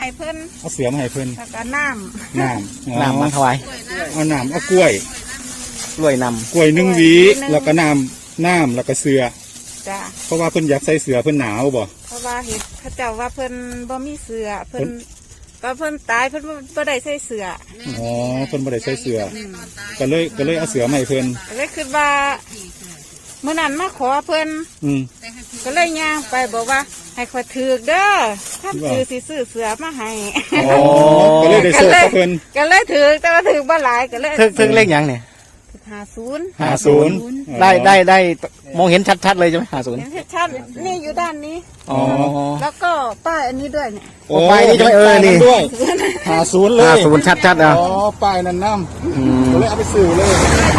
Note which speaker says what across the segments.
Speaker 1: ให้เพิ่น
Speaker 2: เอาเสือมาให้เพิ่น
Speaker 1: แล้วก็น้
Speaker 3: น้ำมาถวาย
Speaker 2: เอาน้ำเอากล้วย
Speaker 3: กล้วยน
Speaker 2: กล้วย1 หวีแล้วก็น้ำแล้วก็เสือ
Speaker 1: จ้ะ
Speaker 2: เพราะว่าเพิ่นอยากใส่เสือเพิ่นหนาวบ่
Speaker 1: เพราะว่าเห็นเขาเจ้าว่าเพิ่นบ่มีเสือเพิ่นก็เพิ่นตายเพิ่นบ่ได้ใส่เสือ
Speaker 2: อ๋อเพิ่นบ่ได้ใส่เสือก็เลยเอาเสือมาให้เพิ่น
Speaker 1: ก็เลยคิดว่าเมื่อนั้นมาขอเพิ่นก็เลยย่างไปบอกว่าให้ขอถือเด้อถ้าถือสิซื้อเสือมาให้
Speaker 2: อ๋อก็เลยได้โชคกับเพิ่น
Speaker 1: ก็เลยถือแต่ว่าถือบ่หลายก็เลย
Speaker 3: ถึงเลขยังเนี่ย
Speaker 1: 50
Speaker 3: ได้มองเห็นชัดๆเลยใช่ไหม50
Speaker 1: เห็นชัดนี่อยู่ด้านนี้
Speaker 3: อ๋อ
Speaker 1: แล้วก็ป้ายอันนี้ด้วยเนี่ย
Speaker 2: โอ้ป้ายนี่ใช่ไหมนี่ด้วย50เลย
Speaker 3: 50ชัดๆนะ
Speaker 2: อ๋อป้ายนั่นน้ำก็เลยเอาไปซื้อเลย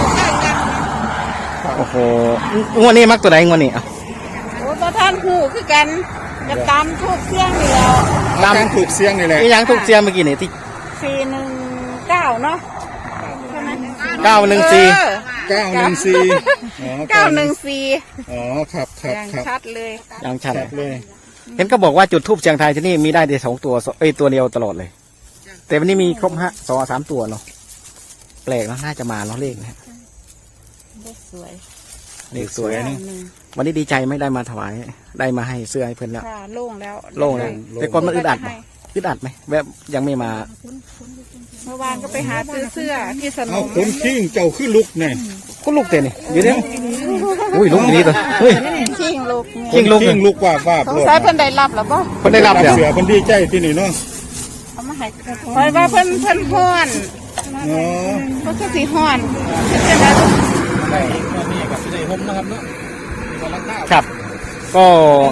Speaker 3: โอ้โหงวดนี้มักตัวไหนงวดนี้อ่ะ
Speaker 1: โอ้ประธานหูคือกันจะตามทุกเสียงนี่แล้ว
Speaker 2: ตามถูกเสียงนี่แหละ
Speaker 3: ยังถูกเสียงเมื่อกี้นี่ที่
Speaker 1: 419เนาะ
Speaker 3: 914
Speaker 2: 914
Speaker 1: 914
Speaker 2: อ๋อครับ
Speaker 1: อย่างชัดเลย
Speaker 3: ยังชัด
Speaker 2: เลย
Speaker 3: เห็นก็บอกว่าจุดทูบเชียงไทยที่นี่มีได้แต่2 ตัวตัวเดียวตลอดเลยแต่วันนี้มีครบ2-3 ตัวเนาะแปลกเนาะน่าจะมาเนาะเลขนะเลขสวยนี่วันนี้ดีใจไม่ได้มาถวายได้มาให้เสื้อให้เพื่อนแล้ว
Speaker 1: โล่งแล้ว
Speaker 3: แต่ก่อนมันอึดอัดไหมแบบยังไม่มา
Speaker 1: เมื่อวานก็ไปหาซื้อเสื้อที่สนม
Speaker 2: คนขิ้งเจ้าขึ้นลุกเนี่ย
Speaker 3: ก็ลุกเต้นนี่อยู่เนี่ยอุ้ยลุกนี่ตัวเฮ้ย
Speaker 1: ขิ้ง
Speaker 2: ลุกว่า
Speaker 1: สงสัยเพิ่นได้รับหรือเปล่า
Speaker 3: เพิ่นได้รับ
Speaker 2: เสือเพิ่นดีใจที่นี่เนาะ
Speaker 1: เอามาให้คอยว่าเพิ่นฮ้อน
Speaker 2: อ๋อ
Speaker 1: เพิ่นก็สิฮ้อนเป็นจังได๋
Speaker 2: นี่กับสิได้ห่มนะครับเนาะ
Speaker 3: ครับก็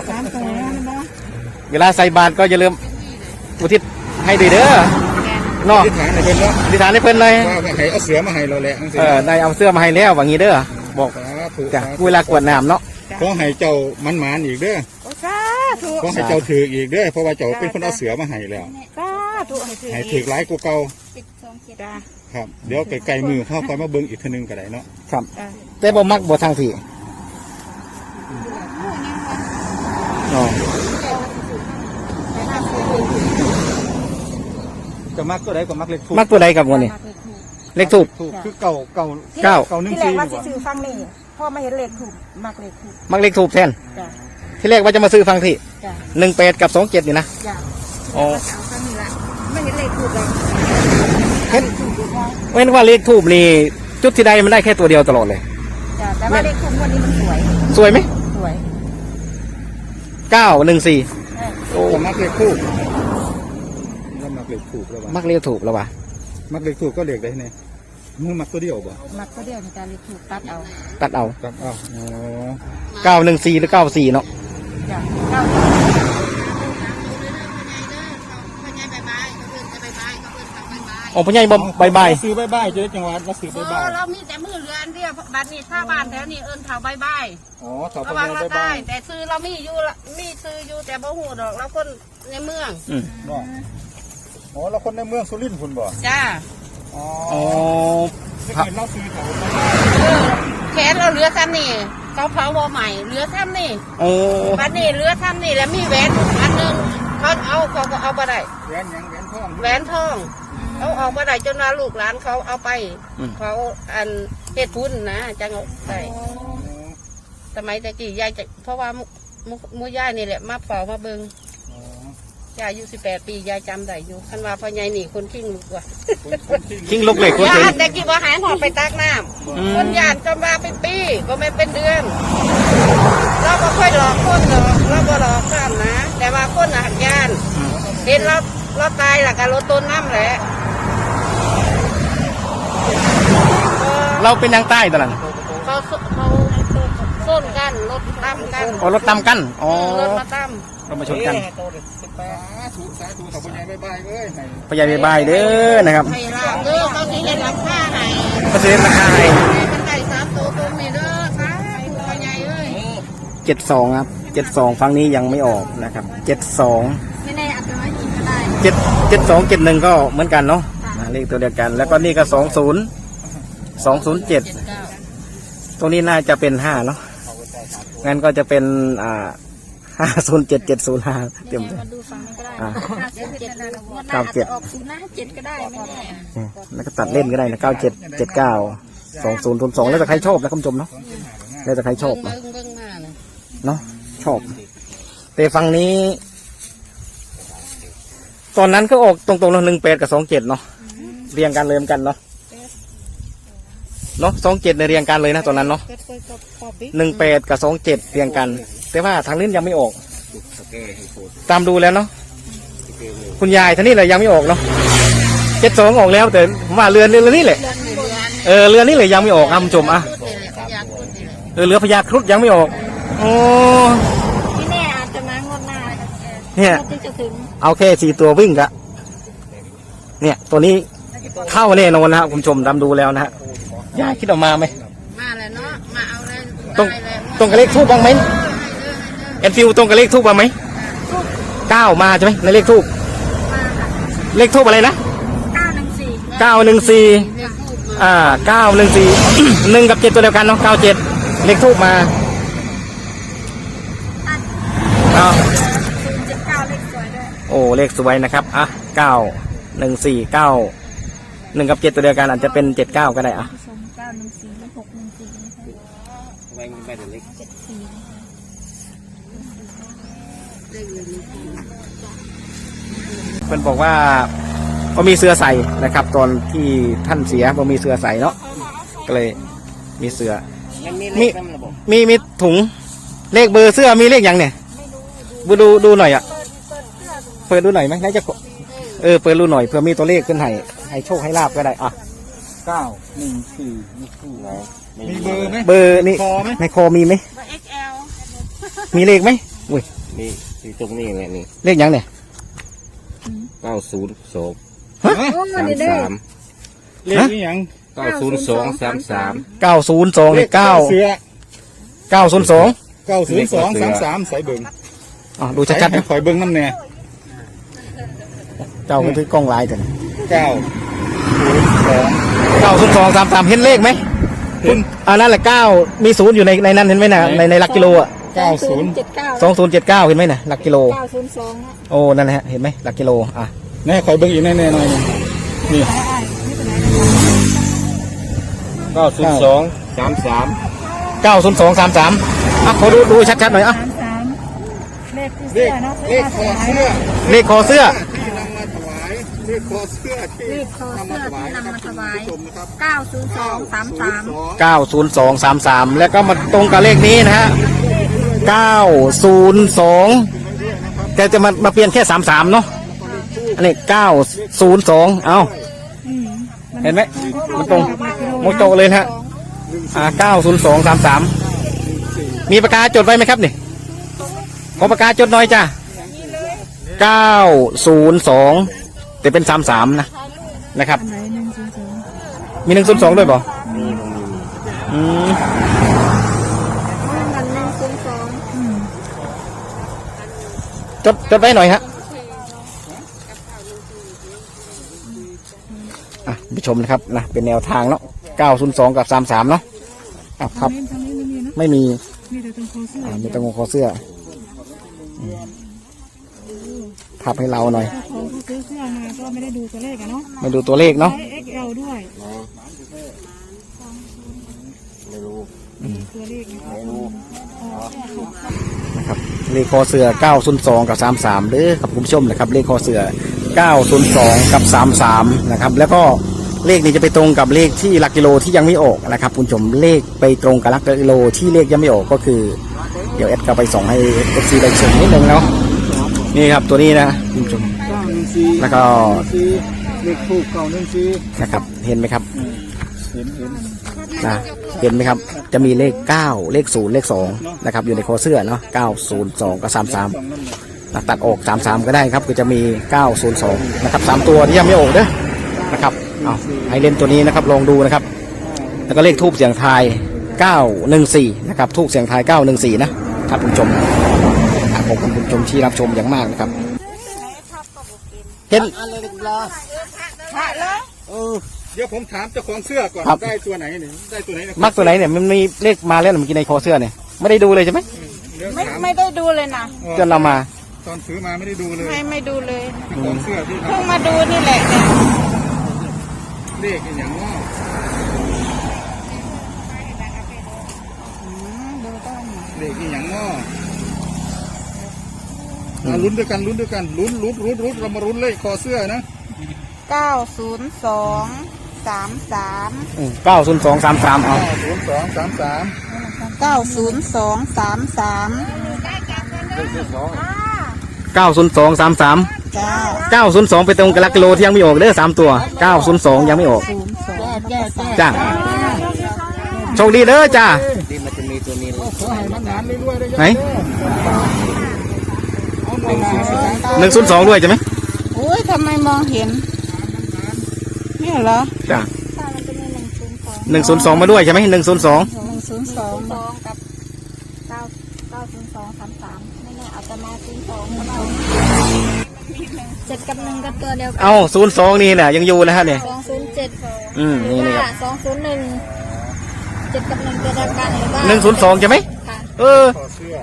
Speaker 3: เวลาใส่บาตรก็อย่าลืมอุทิศให้ดีเด้อเนาะอธิษฐานให้เพิ่นเลย
Speaker 2: ว่าให้เอาเสือมาให้เราแหละ
Speaker 3: ได้เอาเสื้อมาให้แล้วว่างี้เด้อบอกจ้ะเวลากวดน้ำเนาะ
Speaker 2: ขอให้เจ้ามันอีกเด้อขอให้เจ้าถืออีกเด้อเพราะว่าเจ้าเป็นคนเอาเสือมาให้แล้วให้ถือหลายกว่าเก่าครับเดี๋ยวไกลมือเข้าคอยมาเบิ่งอีกทีนึงก็ได้เนาะ
Speaker 3: ครับแต่บ่มักบ่ทางที่
Speaker 2: จะมักตัวใดก็มักเลขถูก
Speaker 3: มักตัวใดกับวันนี้เลขถูก
Speaker 2: คือเก่า
Speaker 1: ที่แรกว่าจะซื้อฟังนี่พ่อมาเห็นเลขถูกมักเลข
Speaker 3: ถูกแทนที่แรกว่าจะมาซื้อฟังที่18กับ27นี่นะ
Speaker 1: อ๋อไม่เห็นเลขถูกเลย
Speaker 3: เห็นว่าเลขถูกนี่จุดที่ใดมันได้แค่ตัวเดียวตลอดเลย
Speaker 1: แต่ว่าเลขถูกวันนี้มัน
Speaker 3: สวยไหม
Speaker 1: สวย
Speaker 3: 914
Speaker 2: โอ้มักเลขถูกมักเลขถูกแล้ว
Speaker 3: มักเลขถูกแล้ววะ
Speaker 2: มักเลขถูกก็เลขได้เนี่ยมึงมักตัวเดียวบ่
Speaker 1: มักตัวเดียวในการเลขถูกตัดเอา
Speaker 3: อ๋อ914หรือ94เนาะอ๋อพ่อใหญ่บาย
Speaker 2: ซื้อบายเจ๊จังหวัดมาซื้อบาย
Speaker 1: เรามีแต่มือเรือนเดียวบัดนี้ชาวบ้านแถวนี้เถาบาย
Speaker 2: อ๋อเถาบาย
Speaker 1: แต่ซื้อเรามีซื้ออยู่แต่บ่หูดอกเราคนในเมือง
Speaker 2: อ๋อเราคนในเมืองสุรินทร์คุณบ่
Speaker 1: จ้า
Speaker 2: อ๋อเห็นเราซื้อเขา
Speaker 1: แขนเราเหลือซ้ำนี่เขาเผาวอใหม่เหลือซ้ำนี่บัดนี้เหลือซ้ำนี่แล้วมีแหวนอันนึงเขาก็เอาไปได้
Speaker 2: แหวน
Speaker 1: ทองเอาออกมาได้จนว่าลูกหลานเขาเอาไปเขาอันเฮ็ดพุ้นนะจังเอาไปสมัยตะกี้ยายจะเพราะว่ามู่ยายนี่แหละมาเฝ้ามาเบิ่งยายอายุ18 ปียายจำได้อยู่คันว่าพ่อใหญ่นี่คนขิ้งลุกว่ะ
Speaker 3: ขิ้งลุกเลยคน
Speaker 1: ยานแต่กี้ว่าหายหอบไปตักน้ำคนยานจำว่าเป็นปีก็ไม่เป็นเดือนเราก็ค่อยหลอกคนหรอกเราก็หลอกข้ามนะแต่ว่าคนหักยานเห็นเราตายหลักการรถต้นน้ำแหละ
Speaker 3: เราเป็นนางใต้ตลอด
Speaker 1: เขาส้นกันรถตั้มกัน
Speaker 3: รถตั้มกัน
Speaker 1: รถมาตั้ม
Speaker 3: เรามาชนกัน
Speaker 2: สาธุขอบคุณยายบายเลย
Speaker 3: พ่อใหญ่บายเด้อนะครับ
Speaker 1: ให้ลาบเด้อเขาสิเห็นราคาให้
Speaker 3: เขาสิเห็นราคาให้
Speaker 1: มันได้3 ตัวตรงนี้เด้อค่ะพ่อใหญ่เอ้ย
Speaker 3: 72ครับ72ฟังนี้ยังไม่ออกนะครับ72
Speaker 1: ไม่แน่อาจจะไม่อีกก็ได้
Speaker 3: 7271ก็เหมือนกันเนาะเลขตัวเดียวกันแล้วก็นี่ก็207ตรงนี้น่าจะเป็น5เนาะงั้นก็จะเป็น 507705เต็มเลย
Speaker 4: มาดูฝั่งนี้ก็ได้
Speaker 3: อ่า
Speaker 4: 57งวดหน้า
Speaker 3: เก้า
Speaker 4: อาจ
Speaker 3: เจ็ด
Speaker 4: จะออก057ก็ได้ไม่แน่
Speaker 3: แล้วก็ตัดเล่นก็ได้นะ97792002แล้วแต่ใครชอบนะคุณผู้ชมเนาะแล้วแต่ใครชอบนะ
Speaker 1: เบิ่งมาเลย
Speaker 3: เนาะชอบ แต่ฝั่งนี้ ตอนนั้นก็ออกตรงๆเนาะ18กับ27เนาะเรียงกันเลยเหมือนกันเนาะ27เนี่ยเรียงกันเลยนะตอนนั้นเนาะ18กับ27เรียงกัน แต่ว่าทางนี้ยังไม่ออก ตามดูแล้วเนาะคุณยายท่านนี้เลยยังไม่ออกเนาะ72ออกแล้วแต่ผมว่าเรือนนี่แหละเรือนนี่เลยยังไม่ออกคุณผู้ชมอ่ะเรือพญาครุฑยังไม่ออกโอ้
Speaker 4: ไม่แน่อาจจะมางวดหน้า
Speaker 3: เนี่ย
Speaker 4: ที่จะถึง
Speaker 3: เอาแค่4ตัววิ่งกะเนี่ยตัวนี้เข้าแน่นอนนะครับคุณผู้ชมตามดูแล้วนะฮะยายคิดออกมาไหม
Speaker 1: มาแล้วเนาะมาเอาเลย
Speaker 3: ตรง
Speaker 1: ได้แล้ว
Speaker 3: ตรงกับเลขทูบบ้างไหมเอ็นฟิวตรงกับเลขทูบบ้างไหม9มาใช่ไหมในเลขทูบเลขทูบอะไรนะ914
Speaker 1: เรียกพูดมา
Speaker 3: 914 1กับ7ตัวเดียวกันเนาะ97เลขทูบมาอ้าว
Speaker 4: 079เลขสวยด้วย
Speaker 3: โอ้เลขสวยนะครับอ่ะ914 9 1กับ7ตัวเดียวกันอาจจะเป็น79ก็ได้อ่ะ
Speaker 4: ผู้ชม914และ614นะคะ74
Speaker 3: เพิ่นบอกว่าเขามีเสื้อใส่นะครับ ตอนที่ท่านเสียเขามีเสื้อใส่เนาะก็เลยมีเสื้อมีถุงเลขเบอร์เสื้อมีเลขยังเนี่ยดูหน่อยอ่ะเปิดดูหน่อยไหมน่าจะเปิดดูหน่อยเผื่อมีตัวเลขขึ้นให้โชคให้ลาบก็ได้อ่ะ
Speaker 2: 914มีเบอร์ไหม
Speaker 3: เบอร์นี่
Speaker 2: คอไหม
Speaker 3: ในคอมีไหม
Speaker 1: XL
Speaker 3: มีเลขไหมอุ้ย
Speaker 5: นี่ตรงนี้แหละนี่
Speaker 3: เลขยังเนี่ย
Speaker 5: 902
Speaker 4: โอ้มันนี่ได้
Speaker 5: 33
Speaker 2: เลขนี่ยัง
Speaker 5: 902 33
Speaker 3: 902เนี่ย
Speaker 2: เสือ
Speaker 3: 902
Speaker 2: 90233ใส่เบิ่ง
Speaker 3: อ๋อดูชัดๆ
Speaker 2: ให้
Speaker 3: นะ
Speaker 2: ข่อยเบิ่งน้ำแน่
Speaker 3: เจ้าก็ถือกล้องลายแต่
Speaker 2: 902
Speaker 3: 90233เห็นเลขไหม
Speaker 2: เห็น
Speaker 3: นั่นแหละ9มี0อยู่ในนั้นเห็นไหมนะในหลักกิโลอ่ะ
Speaker 2: 90
Speaker 3: 2079เห็นไหมนะหลักกิโล
Speaker 4: 902นะ
Speaker 3: โอ้นั่นแหละฮะเห็นไหมหลักกิโลอ่ะ
Speaker 2: แน่ข่อยเบิ่งอีกแน่ๆหน่อยหนึ่งนี่
Speaker 5: 902 33
Speaker 3: 90233อ่ะขอดูชัดๆหน่อยอ่ะ
Speaker 4: 33เลขที่
Speaker 2: เล
Speaker 4: เสื้
Speaker 2: ข
Speaker 4: อเนาะ
Speaker 2: เลขคอเสื้อ
Speaker 3: เลขคอเสื้อ
Speaker 2: ที่นำมาถวายเลขคอเสื้อที่
Speaker 4: เลขคอเสื้อที่นำมาถวาย
Speaker 2: ชมนะครับ
Speaker 4: 90233
Speaker 3: 90233แล้วก็มาตรงกับเลขนี้นะฮะ902แต่จะมาเปลี่ยนแค่33เนาะอันนี้902เอาเห็นไหมมันตรงโมโตเลยนะฮะ90233มีปากกาจดไว้ไหมครับนี่ขอปากกาจดหน่อยจ้ะ902แต่เป็น33นะครับมี102ด้วยเปล่าอืมจดไว้หน่อยฮะผู้ชมนะครับนะเป็นแนวทางเนาะ902กับ33เนาะครับไม่มีมีแต่ตรงคอเสื้อทับให้เราหน่อย
Speaker 4: ของผู้ซื้อเสื้อมาก็ไม่ได้ดูตัวเลขอะเนาะ
Speaker 3: ไม่ดูตัวเลขเนาะ
Speaker 4: ใช้ XL ด้วย
Speaker 5: ไม่รู้
Speaker 4: ตัวเลขนะคะ
Speaker 3: นะครับเลขคอเสือ902กับ33เด้อครับคุณผู้ชมนะครับเลขคอเสือ902กับ33นะครับแล้วก็เลขนี้จะไปตรงกับเลขที่หลักกิโลที่ยังไม่ออกนะครับคุณผู้ชมเลขไปตรงกับหลักกิโลที่เลขยังไม่ออกก็คือเดี๋ยวแอดก็ไปส่งให้ FC ได้ชมนิดนึงเนาะนี่ครับตัวนี้นะคุณผู้ชมแล้วก็
Speaker 2: เลขทูบ914
Speaker 3: นะครับเห็นไหมครับ
Speaker 2: เห็น
Speaker 3: นะเห็นไหมครับจะมีเลข9เลข0เลข2นะครับอยู่ในคอเสื้อเนาะ902กับ33ตัดออก33ก็ได้ครับก็จะมี902นะครับ3ตัวที่ยังไม่ออกเด้อนะครับเอาให้เล่นตัวนี้นะครับลองดูนะครับแล้วก็เลขทูบเสียงทาย914นะครับทูบเสียงทาย914นะครับคุณผู้ชมขอบคุณคุณผู้ชมที่รับชมอย่างมากนะครับเห็น
Speaker 2: เดี๋ยวผมถามเจ้าของเสื้อก่อน
Speaker 3: ครับ
Speaker 2: ได้ตัวไหนเนี่ยได้ตัวไหนนะ
Speaker 3: มักตัวไหนเนี่ยมันมีเลขมาแล้วเมื่อกี้ในคอเสื้อเนี่ยไม่ได้ดูเลยใช่ไหม
Speaker 1: ไม่ได้ดูเลยนะ
Speaker 3: จนเรามา
Speaker 2: ตอนซื้อมาไม่ได้ดูเลย
Speaker 1: ไม่ดูเลย
Speaker 2: ของเสื้อที่
Speaker 1: เพิ่งมาดูนี่แหละเนี่ย
Speaker 2: เลขอีกอย่างว่า
Speaker 1: ดูต้น
Speaker 2: เลขอีกอย่างว่าลุ้นด้วยกันลุ้นเรามาลุ้นเลขคอเสื้อนะ
Speaker 1: 90233
Speaker 3: 90233เอา
Speaker 2: 0233
Speaker 1: 90233
Speaker 3: 90233
Speaker 1: จ้า
Speaker 3: 902ไปตรงกับหลักกิโลที่ยังไม่ออกเด้อ3ตัว902ยังไม่ออก จ้าโชคดีเด้อจ้า
Speaker 5: ที่มันจะมีตัวนี้เลย
Speaker 2: ขอให้มันงานเรื่อยๆได้
Speaker 3: ไหน
Speaker 2: เอา
Speaker 3: 102ด้วยใช่ไหม
Speaker 1: โอ้ยทำไมมองเห็นเนี่ยเหรอ
Speaker 3: จ้า102มาด้วยใช่ไหม102
Speaker 1: 102
Speaker 6: กับ90233ไม่แน่อาจจะมา02ก็ได้7 กับ 1กับตัวเดียวกัน
Speaker 3: เอา02นี่แหละยังอยู่นะฮะเนี่ย
Speaker 6: 207
Speaker 3: นี่
Speaker 6: หรือ
Speaker 3: นี่ค
Speaker 6: ว่า
Speaker 3: รับ
Speaker 6: 201 7 กับ 1ตัวเดียวกันหรือว่า
Speaker 3: 102ใช่ไหม
Speaker 6: ค่ะ
Speaker 3: เออ
Speaker 2: คอเสื้อ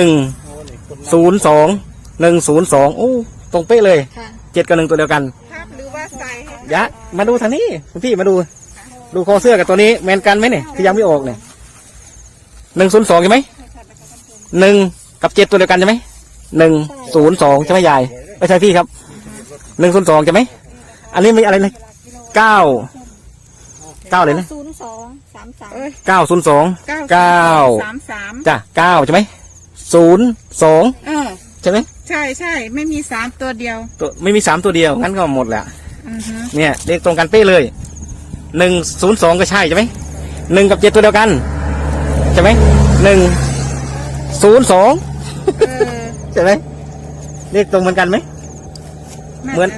Speaker 3: 102 โอ้ตรงเป๊ะเลย
Speaker 6: ค่ะ
Speaker 3: 7กับ1ตัวเดียวกัน
Speaker 1: ภาพหรือว่าใส่ให้
Speaker 3: ยะมาดูทางนี้คุณพี่มาดูคอเสื้อกับตัวนี้แมนกันไหมเนี่ยที่ยังไม่ออกเนี่ย102ใช่ไหม1กับ7ตัวเดียวกันใช่ไหม102ใช่ไหมยายไม่ใช่พี่ครับ102ใช่ไหมอันนี้มีอะไรนะ9เลยนะ
Speaker 6: 0233
Speaker 3: 902
Speaker 1: 33
Speaker 3: จ้ะ9ใช่ไหม02ใช่ไหม
Speaker 1: ใช่ไม่มี3ตัวเดียว
Speaker 3: ตัวไม่มี3ตัวเดียวงั้นก็หมดแหละ
Speaker 1: อือฮึ
Speaker 3: เนี่ยเลขตรงกันเป๊ะเลย102ก็ใช่ใช่ไหม1กับ7ตัวเดียวกันใช่ไหม102
Speaker 1: เออ
Speaker 3: ใช่ไหมเลขตรงเหมือนกันไหม เหมือน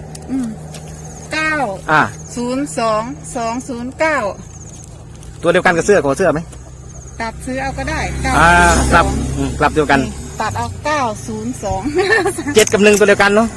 Speaker 1: 902 209
Speaker 3: ตัวเดียวกันกับเสื้อกับเสื้อไหม
Speaker 1: ตัดซื้อเอาก็ได้
Speaker 3: กลับกลับเดียวกัน
Speaker 1: ตัดเอา902
Speaker 3: 7กับ1ตัวเดียวกันเนาะ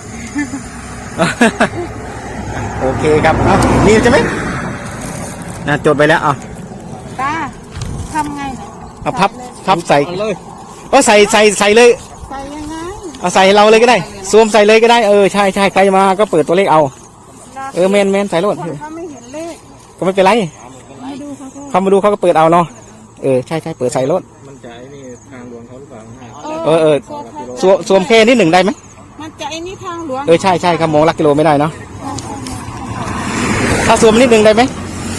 Speaker 3: โอเคครับเอานี่ใช่ไหมนะจดไปแล้วเอา
Speaker 1: ตาทำไงเนี่ย
Speaker 3: เอาพับใส่
Speaker 5: เอาเลย
Speaker 3: ก็ใส่เลย
Speaker 1: ใส่ยังไง
Speaker 3: เอาใส่เราเลยก็ได้สวมใส่เลยก็ได้ใช่ใครมาก็เปิดตัวเลขเอาแมนใส่รถ
Speaker 1: คนเขาไม่เห็นเลข
Speaker 3: ก็ไม่เป็นไรเขามาดูเขาก็เปิดเอาเนาะใช่เปิดใส่รถ
Speaker 5: มันจะไอ้นี่ทางหลวงเขาหรือเปล่า
Speaker 3: สวมแค่นิดหนึ่งได้ไหม
Speaker 1: มันจะไอ้นี่ทางหลวง
Speaker 3: ใช่ครับมองหลักกิโลไม่ได้เนาะถ้าสวมนิดหนึ่งได้ไหม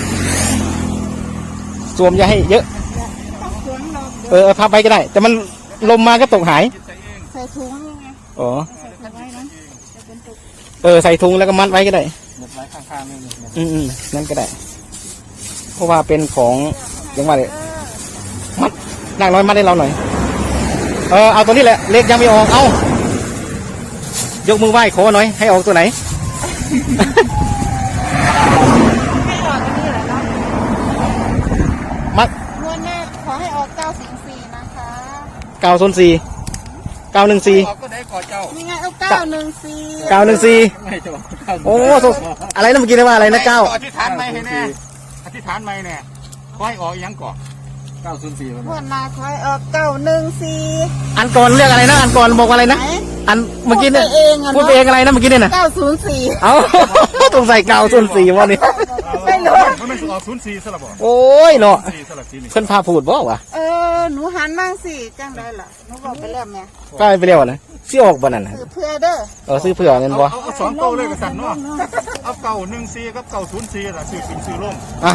Speaker 3: สวมอย่าให้เยอะ
Speaker 1: สวมเรา
Speaker 3: พับไปก็ได้ แต่มันลมมาก็ตกหาย
Speaker 1: ใส่ถุงยังไง
Speaker 3: อ๋อ
Speaker 1: ใส่ไว้นะ
Speaker 3: ใส่ถุงแล้วก็มัดไว้ก็ได้
Speaker 5: หมดไว้ข้างๆนี่
Speaker 3: นั่นก็ได้ เพราะว่าเป็นของยังว่าเลยมัดนางน้อยมัดให้เราหน่อยเอาตัวนี้แหละเลขยังไม่ออกเอายกมือไหว้ขอหน่อยให้ออกตัวไหน
Speaker 1: ให้ออกกันนี่แหละเนาะ
Speaker 3: มัด
Speaker 1: งวดแรกขอให้ออก904นะคะ
Speaker 3: 904 914
Speaker 2: ออกก็ได้ขอเจ้า
Speaker 1: นี่ไงเอา914
Speaker 3: 914
Speaker 2: ไม่จะบอก
Speaker 3: โอ้อะไรนะเมื่อกี้นะว่าอะไรนะ9
Speaker 2: อธิษฐานไม่ให้แน่อธิษฐานไม่แน่ขอให้ออกยังก่อน
Speaker 5: 904มัน
Speaker 1: งวดหน้าขอให้ออก914
Speaker 3: อันก่อนเรียกอะไรนะอันก่อนบอกว่าอะไรนะ
Speaker 1: ไหน
Speaker 3: อันเมื่อกี้เนี่ย
Speaker 1: พูดไปเองอะเนอะ
Speaker 3: พูดไปเองอะไรนะเมื่อกี้เนี่ยนะ
Speaker 1: 904
Speaker 3: เอา ต้องใส่904วันนี้
Speaker 1: ไม่รู้
Speaker 2: มันไม่ออก04สลับบ่
Speaker 3: โอ้ยเนาะ
Speaker 2: 4สลับทีนี่
Speaker 3: เพิ่นพาพูดบ่วะ
Speaker 1: หนูหันบ้างสิจังได้ล่ะหนูบอกไปแล้วแม่
Speaker 3: ก็ไปเร็วนะสิออกบ่นั่นน่ะ
Speaker 1: คือเพื่อเด้อ
Speaker 3: ซื้อเผื่อเงินบ่
Speaker 2: เอา2เก้าเลยกับสันเนาะเอา914กับ904ล่ะซื้อขึ้นซื้อลง
Speaker 3: อ่ะ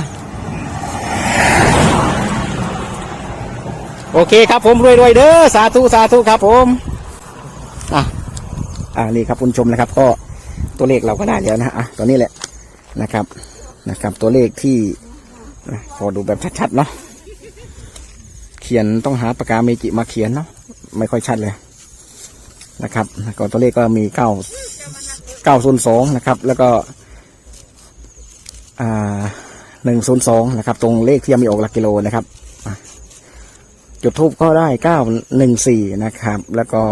Speaker 3: โอเคครับผมรวยๆเด้อสาธุครับผมนี่ครับคุณผู้ชมนะครับ ก็ตัวเลขเราก็ได้แล้วนะตัวนี้แหละนะครับตัวเลขที่พอดูแบบชัดๆเนาะเขียนต้องหาปากกาเมจิมาเขียนเนาะไม่ค่อยชัดเลยนะครับก็ตัวเลขก็มี902นะครับแล้วก็102นะครับตรงเลขที่ยังไม่ออกหลักกิโลนะครับจุดทูบก็ได้914นะครับแล้วก็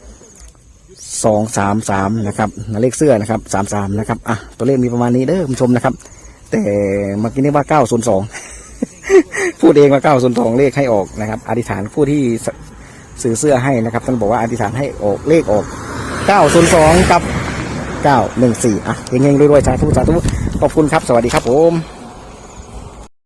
Speaker 3: 233นะครับเลขเสื้อนะครับ33นะครับตัวเลขมีประมาณนี้เด้อคุณผู้ชมนะครับแต่เมื่อกี้นี่ว่า902 พูดเองว่า902เลขให้ออกนะครับอธิษฐานผู้ที่ซื้อเสื้อให้นะครับท่านบอกว่าอธิษฐานให้ออกเลขออก902กับ914อ่ะเฮงๆรวยๆสาธุสาธุขอบคุณครับสวัสดีครับผม